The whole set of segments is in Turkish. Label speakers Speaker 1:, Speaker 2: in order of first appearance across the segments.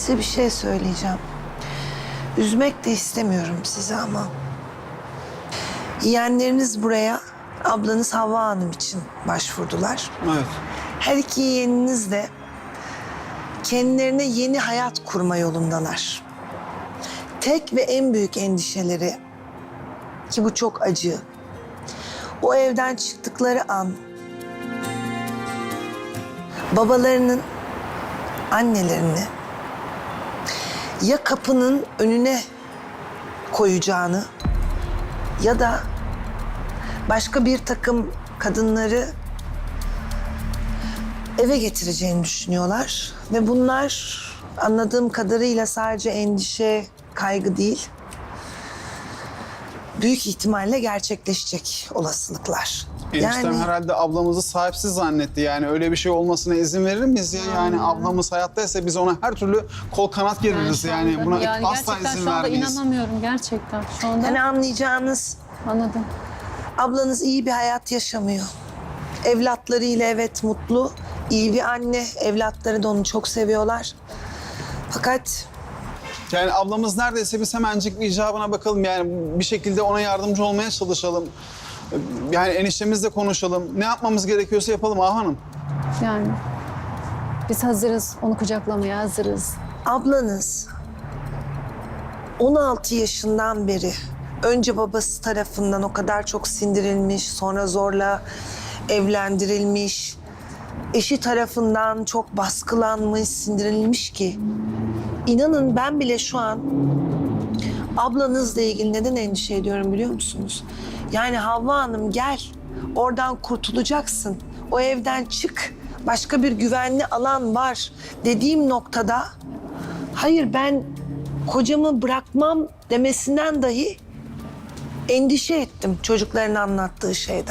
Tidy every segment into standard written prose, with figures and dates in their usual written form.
Speaker 1: Size bir şey söyleyeceğim. Üzmek de istemiyorum sizi ama. Yeğenleriniz buraya ablanız Havva Hanım için başvurdular.
Speaker 2: Evet.
Speaker 1: Her iki yeğeniniz de kendilerine yeni hayat kurma yolundalar. Tek ve en büyük endişeleri, ki bu çok acı, o evden çıktıkları an babalarının annelerini ya kapının önüne koyacağını ya da başka bir takım kadınları eve getireceğini düşünüyorlar. Ve bunlar anladığım kadarıyla sadece endişe, kaygı değil, büyük ihtimalle gerçekleşecek olasılıklar.
Speaker 2: Eniştem herhalde ablamızı sahipsiz zannetti. Yani öyle bir şey olmasına izin verir miyiz ya? Yani ablamız hayattaysa biz ona her türlü kol kanat geririz. Yani buna asla
Speaker 3: gerçekten
Speaker 2: izin
Speaker 3: şu anda
Speaker 2: vermeyiz.
Speaker 3: inanamıyorum gerçekten. Şu anda
Speaker 1: Yani anlayacağınız,
Speaker 3: anladım.
Speaker 1: ablanız iyi bir hayat yaşamıyor. Evlatlarıyla evet mutlu, iyi bir anne. Evlatları da onu çok seviyorlar. Fakat
Speaker 2: Yani ablamız neredeyse biz hemencik bir icabına bakalım. Yani bir şekilde ona yardımcı olmaya çalışalım. Yani eniştemizle konuşalım. Ne yapmamız gerekiyorsa yapalım Ağa Hanım.
Speaker 3: Yani biz hazırız. Onu kucaklamaya hazırız.
Speaker 1: ablanız 16 yaşından beri önce babası tarafından o kadar çok sindirilmiş, sonra zorla evlendirilmiş, eşi tarafından çok baskılanmış, sindirilmiş ki inanın ben bile şu an ablanızla ilgili neden endişe ediyorum biliyor musunuz? Yani Havva Hanım gel, oradan kurtulacaksın, o evden çık, başka bir güvenli alan var dediğim noktada hayır ben kocamı bırakmam demesinden dahi endişe ettim çocukların anlattığı şeyden.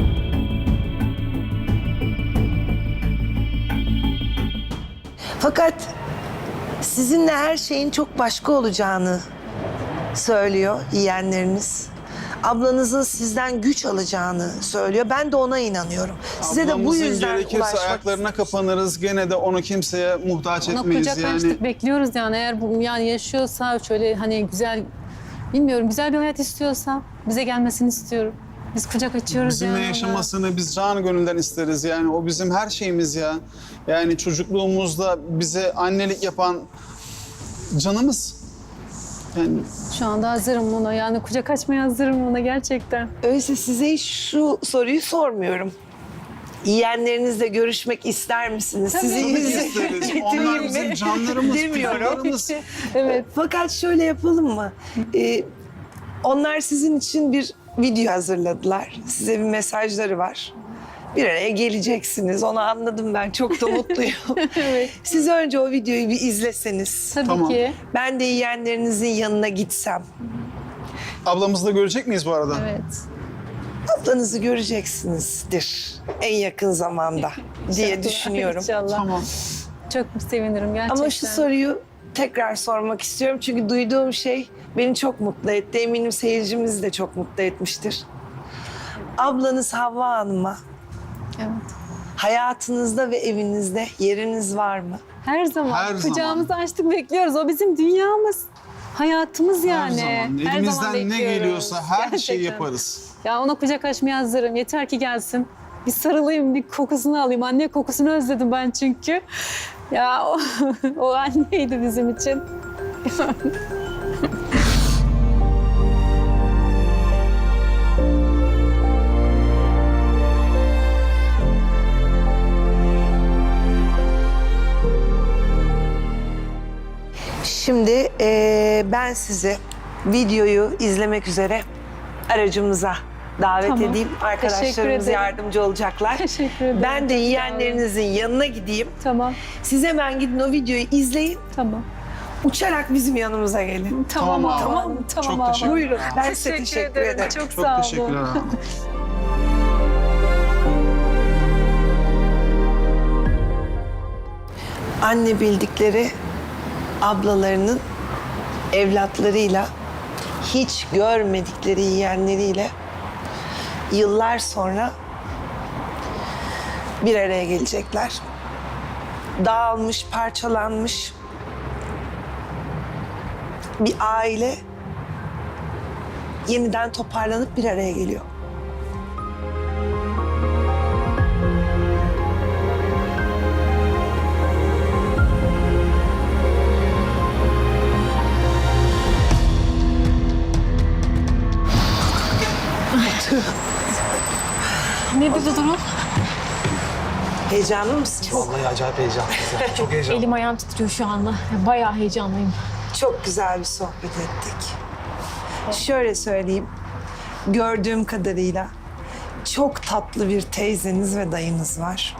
Speaker 1: Fakat sizinle her şeyin çok başka olacağını söylüyor yeğenleriniz. Ablanızın sizden güç alacağını söylüyor. Ben de ona inanıyorum. Size de bu
Speaker 2: Ablamızın
Speaker 1: yüzden
Speaker 2: gerekirse
Speaker 1: ulaşmak
Speaker 2: ayaklarına kapanırız. Gene de onu kimseye muhtaç
Speaker 3: Ona
Speaker 2: etmeyiz
Speaker 3: kucak
Speaker 2: yani.
Speaker 3: açtık, bekliyoruz yani. Eğer bu yani yaşıyorsa şöyle hani güzel, bilmiyorum güzel bir hayat istiyorsa bize gelmesini istiyorum. Biz kucak açıyoruz
Speaker 2: Bizimle
Speaker 3: yani ona.
Speaker 2: yaşamasını biz canı gönülden isteriz yani. O bizim her şeyimiz ya. Yani çocukluğumuzda bize annelik yapan canımız. Yani
Speaker 3: Şu anda hazırım buna. Yani kucak açmaya hazırım buna gerçekten.
Speaker 1: Öyleyse size hiç şu soruyu sormuyorum. Yeğenlerinizle görüşmek ister misiniz? Sizi
Speaker 2: tabii ki
Speaker 1: yüzüne
Speaker 2: isteriz. Onlar
Speaker 1: getireyim
Speaker 2: bizim
Speaker 1: mi?
Speaker 2: canlarımız,
Speaker 1: Demiyorum.
Speaker 2: kuzularımız.
Speaker 3: Evet.
Speaker 1: Fakat şöyle yapalım mı? Onlar sizin için bir video hazırladılar. Size bir mesajları var. Bir araya geleceksiniz. Onu anladım ben. Çok da mutluyum.
Speaker 3: Evet.
Speaker 1: Siz önce o videoyu bir izleseniz.
Speaker 3: Tabii
Speaker 2: Tamam.
Speaker 3: ki.
Speaker 1: Ben de yeğenlerinizin yanına gitsem.
Speaker 2: Ablamızı da görecek miyiz bu arada?
Speaker 3: Evet.
Speaker 1: Ablanızı göreceksinizdir en yakın zamanda diye düşünüyorum.
Speaker 3: İnşallah.
Speaker 2: Tamam.
Speaker 3: Çok sevinirim gerçekten.
Speaker 1: Ama şu soruyu tekrar sormak istiyorum. Çünkü duyduğum şey beni çok mutlu etti. Eminim seyircimizi de çok mutlu etmiştir. Ablanız Havva Hanım'a
Speaker 3: Evet.
Speaker 1: hayatınızda ve evinizde yeriniz var mı?
Speaker 3: Her zaman
Speaker 2: Her zaman.
Speaker 3: kucağımızı açtık bekliyoruz. O bizim dünyamız. Hayatımız yani.
Speaker 2: Her zaman.
Speaker 3: Her
Speaker 2: Elimizden
Speaker 3: zaman
Speaker 2: ne
Speaker 3: bekliyoruz.
Speaker 2: geliyorsa her şeyi
Speaker 3: Gerçekten.
Speaker 2: yaparız.
Speaker 3: Ya ona kucak açmaya hazırım. Yeter ki gelsin. Bir sarılayım, bir kokusunu alayım. Anne kokusunu özledim ben çünkü. Ya o anneydi bizim için.
Speaker 1: Şimdi ben sizi videoyu izlemek üzere aracımıza davet
Speaker 3: Tamam.
Speaker 1: edeyim.
Speaker 3: Teşekkür
Speaker 1: Arkadaşlarımız
Speaker 3: ederim.
Speaker 1: yardımcı olacaklar.
Speaker 3: Teşekkür ederim.
Speaker 1: Ben de
Speaker 3: Çok sağ olun.
Speaker 1: yeğenlerinizin yanına gideyim.
Speaker 3: Tamam,
Speaker 1: Siz hemen gidin o videoyu izleyin.
Speaker 3: tamam.
Speaker 1: Uçarak bizim yanımıza gelin.
Speaker 3: Tamam,
Speaker 2: Tamam,
Speaker 3: tamam,
Speaker 2: tamam.
Speaker 3: tamam.
Speaker 2: Çok
Speaker 3: abi.
Speaker 2: teşekkür
Speaker 1: Buyurun. Ben size teşekkür ederim.
Speaker 3: Çok,
Speaker 2: Çok
Speaker 3: sağ olun.
Speaker 2: teşekkürler hanım.
Speaker 1: Anne bildikleri ablalarının evlatlarıyla, hiç görmedikleri yeğenleriyle yıllar sonra bir araya gelecekler. Dağılmış, parçalanmış, bir aile yeniden toparlanıp bir araya geliyor.
Speaker 3: Ne dedi durum?
Speaker 1: Heyecanlı mısın?
Speaker 4: Vallahi acayip heyecanlıyız ya. Çok heyecanlı.
Speaker 5: Elim ayağım titriyor şu anda. Bayağı heyecanlıyım.
Speaker 1: Çok güzel bir sohbet ettik. Şöyle söyleyeyim, gördüğüm kadarıyla çok tatlı bir teyzeniz ve dayınız var.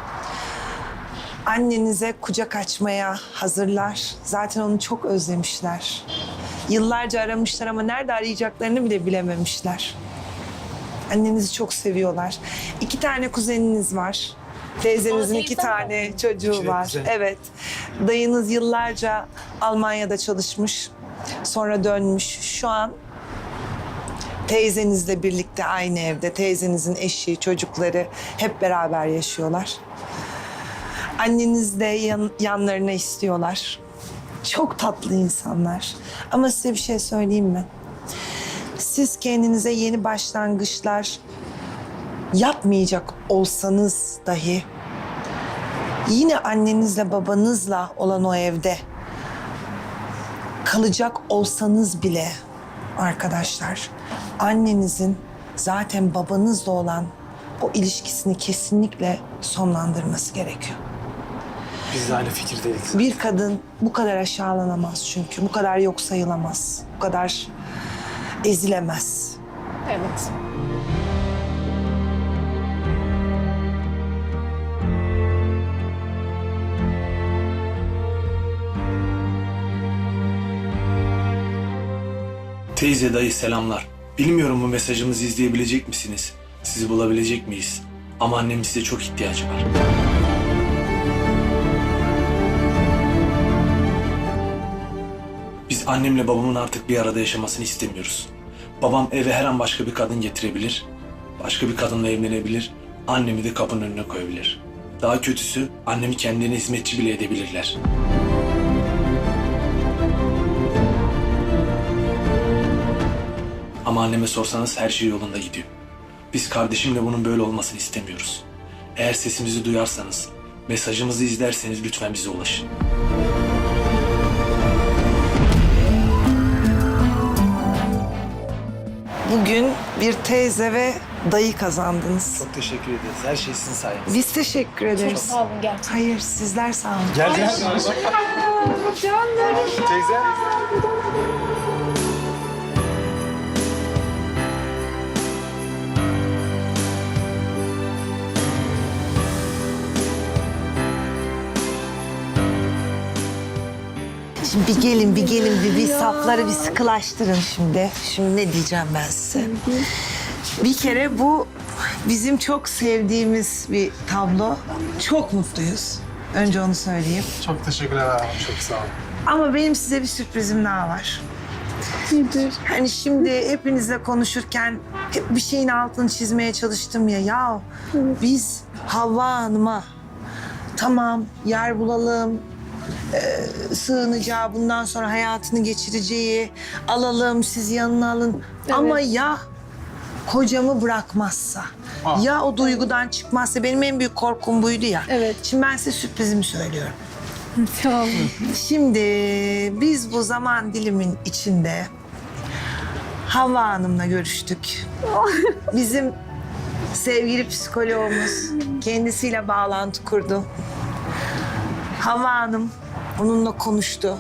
Speaker 1: Annenize kucak açmaya hazırlar. Zaten onu çok özlemişler. Yıllarca aramışlar ama nerede arayacaklarını bile bilememişler. Annenizi çok seviyorlar. 2 tane kuzeniniz var. Teyzenizin 2 tane çocuğu
Speaker 4: İki de
Speaker 1: var.
Speaker 4: kuzen.
Speaker 1: Evet. Dayınız yıllarca Almanya'da çalışmış. Sonra dönmüş. Şu an teyzenizle birlikte aynı evde. Teyzenizin eşi, çocukları hep beraber yaşıyorlar. Anneniz de yanlarına istiyorlar. Çok tatlı insanlar. Ama size bir şey söyleyeyim mi? Siz kendinize yeni başlangıçlar yapmayacak olsanız dahi yine annenizle babanızla olan o evde kalacak olsanız bile arkadaşlar, annenizin zaten babanızla olan o ilişkisini kesinlikle sonlandırması gerekiyor.
Speaker 4: Biz de aynı fikirdeydik.
Speaker 1: Bir kadın bu kadar aşağılanamaz çünkü. Bu kadar yok sayılamaz. Bu kadar ezilemez.
Speaker 5: Evet.
Speaker 6: Teyze, dayı selamlar. Bilmiyorum bu mesajımızı izleyebilecek misiniz? Sizi bulabilecek miyiz? Ama annemin size çok ihtiyacı var. Biz annemle babamın artık bir arada yaşamasını istemiyoruz. Babam eve her an başka bir kadın getirebilir. Başka bir kadınla evlenebilir. Annemi de kapının önüne koyabilir. Daha kötüsü annemi kendilerine hizmetçi bile edebilirler. Ama anneme sorsanız her şey yolunda gidiyor. Biz kardeşimle bunun böyle olmasını istemiyoruz. Eğer sesimizi duyarsanız, mesajımızı izlerseniz lütfen bize ulaşın.
Speaker 1: Bugün bir teyze ve dayı kazandınız.
Speaker 4: Çok teşekkür ederiz. Her şey sizin sayenizde.
Speaker 1: Biz teşekkür ederiz.
Speaker 5: Çok sağ olun gerçekten.
Speaker 1: Hayır, sizler sağ olun.
Speaker 4: Gel gel. Teyze.
Speaker 1: Şimdi bir gelin bir safları bir sıkılaştırın şimdi. Şimdi ne diyeceğim ben size? Bir kere bu bizim çok sevdiğimiz bir tablo. Çok mutluyuz. Önce onu söyleyeyim.
Speaker 4: Çok teşekkürler abi. Çok sağ olun.
Speaker 1: Ama benim size bir sürprizim daha var.
Speaker 3: Nedir?
Speaker 1: Hani şimdi hepinizle konuşurken hep bir şeyin altını çizmeye çalıştım ya. Ya biz Havva Hanım'a tamam yer bulalım, sığınacağı, bundan sonra hayatını geçireceği, alalım, siz yanına alın. Ama ya kocamı bırakmazsa, ya o duygudan çıkmazsa, benim en büyük korkum buydu ya.
Speaker 3: Evet.
Speaker 1: Şimdi ben size sürprizimi söylüyorum.
Speaker 3: Tamam.
Speaker 1: Şimdi biz bu zaman dilimin içinde Havva Hanım'la görüştük. Bizim sevgili psikologumuz kendisiyle bağlantı kurdu. Havva Hanım onunla konuştu.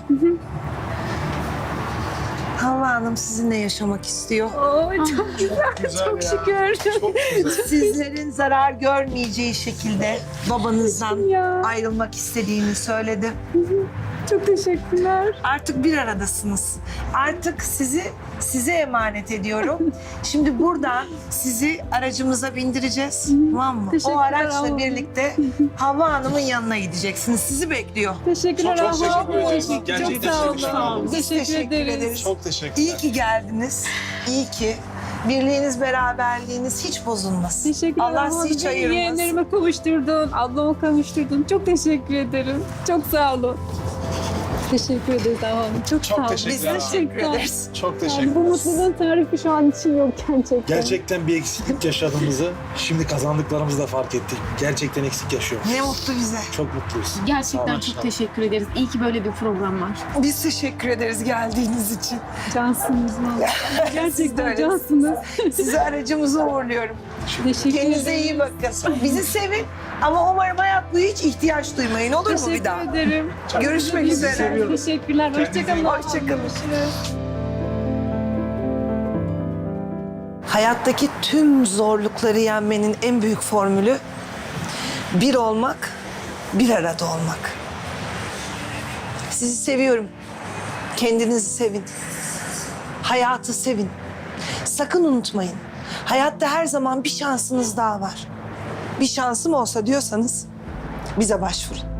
Speaker 1: Havva Hanım sizinle yaşamak istiyor.
Speaker 3: Oo, çok güzel, çok şükür.
Speaker 1: Sizlerin zarar görmeyeceği şekilde babanızdan
Speaker 3: Ya.
Speaker 1: ayrılmak istediğini söyledi.
Speaker 3: Çok teşekkürler.
Speaker 1: Artık bir aradasınız. Artık size emanet ediyorum. Şimdi buradan sizi aracımıza bindireceğiz. Tamam mı? O
Speaker 3: Teşekkürler
Speaker 1: araçla
Speaker 3: Havva.
Speaker 1: birlikte Havva Hanım'ın yanına gideceksiniz. Sizi bekliyor.
Speaker 3: Teşekkürler
Speaker 4: Çok
Speaker 3: Havva.
Speaker 4: teşekkür ederiz.
Speaker 3: Çok
Speaker 4: Gerçekten
Speaker 3: sağ
Speaker 4: teşekkür ederim.
Speaker 3: olun.
Speaker 1: Biz
Speaker 3: Teşekkür ederiz.
Speaker 4: Çok teşekkürler.
Speaker 1: İyi ki geldiniz. İyi ki. Birliğiniz, beraberliğiniz hiç bozulmasın.
Speaker 3: Teşekkürler
Speaker 1: Allah
Speaker 3: Havva.
Speaker 1: sizi hiç
Speaker 3: Beni
Speaker 1: ayırmasın.
Speaker 3: yeğenlerime kavuşturdun, ablama kavuşturdun. Çok teşekkür ederim. Çok sağ olun. Teşekkür ederiz Ahu Hanım. Çok sağ olun.
Speaker 2: Çok teşekkürler.
Speaker 1: Biz teşekkür ederiz.
Speaker 2: Çok
Speaker 3: Yani
Speaker 2: teşekkür
Speaker 3: bu
Speaker 2: ederiz.
Speaker 3: mutluluğun tarifi şu an için yok gerçekten.
Speaker 4: Gerçekten bir eksiklik yaşadığımızı şimdi kazandıklarımızı da fark ettik. Gerçekten eksik yaşıyoruz.
Speaker 1: Ne mutlu bize.
Speaker 4: Çok mutluyuz. Sağ
Speaker 5: Gerçekten
Speaker 4: olun.
Speaker 5: çok teşekkür ederiz. İyi ki böyle bir program var.
Speaker 1: Biz teşekkür ederiz geldiğiniz için.
Speaker 3: Cansınız valla.
Speaker 1: Siz de
Speaker 3: Gerçekten
Speaker 1: öyle.
Speaker 3: cansınız.
Speaker 1: Sizi aracımıza uğurluyorum.
Speaker 3: Teşekkür
Speaker 1: Kendinize
Speaker 3: ederim.
Speaker 1: iyi bakın. Bizi sevin ama umarım hayat boyu hiç ihtiyaç duymayın. Olur mu bir daha?
Speaker 3: Teşekkür ederim.
Speaker 1: Görüşmek üzere.
Speaker 3: Teşekkürler. Hoşçakalın.
Speaker 1: Hoşçakalın. Hayattaki tüm zorlukları yenmenin en büyük formülü bir olmak, bir arada olmak. Sizi seviyorum. Kendinizi sevin. Hayatı sevin. Sakın unutmayın. Hayatta her zaman bir şansınız daha var. Bir şansım olsa diyorsanız bize başvurun.